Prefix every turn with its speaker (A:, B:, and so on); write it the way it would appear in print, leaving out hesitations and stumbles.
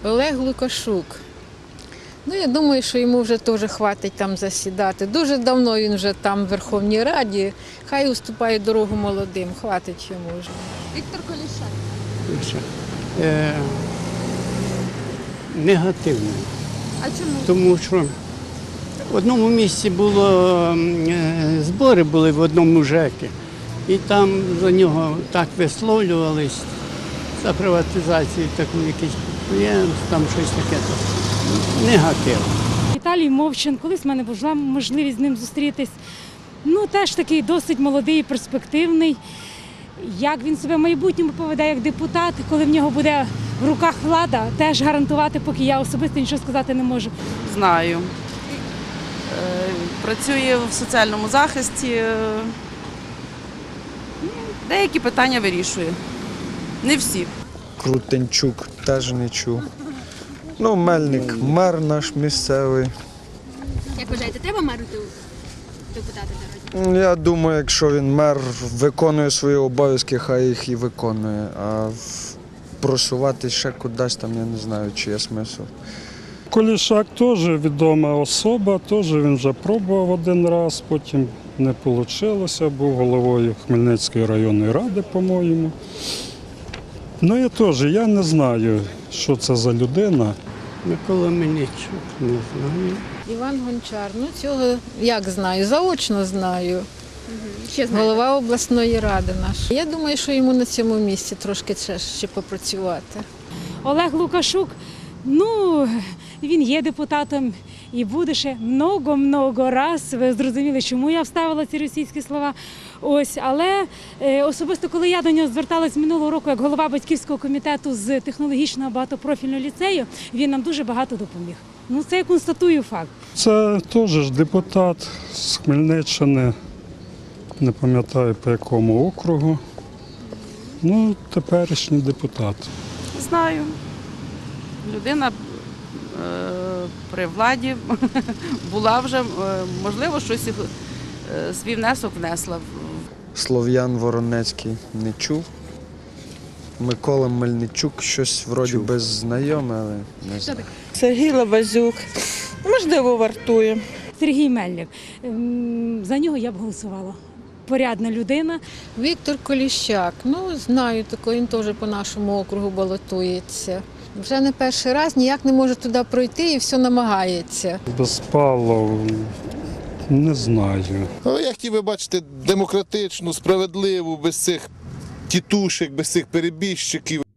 A: Олег Лукашук. Ну, я думаю, що йому вже теж хватить там засідати. Дуже давно він вже там в Верховній Раді. Хай уступає дорогу молодим, хватить йому вже.
B: Віктор Коліщак.
C: Негативно.
B: А чому?
C: Тому що в одному місці збори були в одному ЖЕКі, і там за нього так висловлювались за приватизацію таку якісь підприємств, там щось таке. Негативно.
D: Віталій Мовчан, колись в мене була можливість з ним зустрітись. Ну, теж такий досить молодий і перспективний. Як він себе в майбутньому поведе як депутат, коли в нього буде в руках влада, теж гарантувати, поки я особисто нічого сказати не можу.
E: Знаю. Працює в соціальному захисті. Деякі питання вирішує. Не всі.
F: Крутенчук теж не чув. Ну, Мельник, мер наш місцевий.
B: Як вважаєте, треба меру депутати народні?
F: Я думаю, якщо він мер виконує свої обов'язки, хай їх і виконує. А просувати ще кудись там, я не знаю, чи є смисл.
G: Коліщак теж відома особа, теж він вже пробував один раз, потім не вийшло, був головою Хмельницької районної ради, по-моєму. Ну я не знаю, що це за людина.
C: Микола Мельничук, не знаю.
A: Іван Гончар, ну цього як знаю, заочно знаю.
B: Ще знаєте?
A: Голова обласної ради наша. Я думаю, що йому на цьому місці трошки ще попрацювати.
D: Олег Лукашук, ну, він є депутатом і буде ще много-много раз. Ви зрозуміли, чому я вставила ці російські слова. Ось, але особисто, коли я до нього зверталась минулого року як голова батьківського комітету з технологічного багатопрофільного ліцею, він нам дуже багато допоміг. Ну, це я констатую факт.
G: Це теж ж депутат з Хмельниччини, не пам'ятаю по якому округу. Ну, теперішній депутат.
E: Знаю. Людина при владі була вже, можливо, щось свій внесок внесла.
F: Слов'ян Воронецький не чув. Микола Мельничук щось вроді би знайоме, але не знаю.
H: Сергій Лабазюк, можливо, вартує.
D: Сергій Мельник, за нього я б голосувала. Порядна людина.
A: Віктор Коліщак, ну знаю такого, він теж по нашому округу балотується. Вже не перший раз, ніяк не може туди пройти і все намагається.
G: Безпалов, не знаю.
I: Але я хотів би бачити демократичну, справедливу, без цих тітушек, без цих перебіжчиків.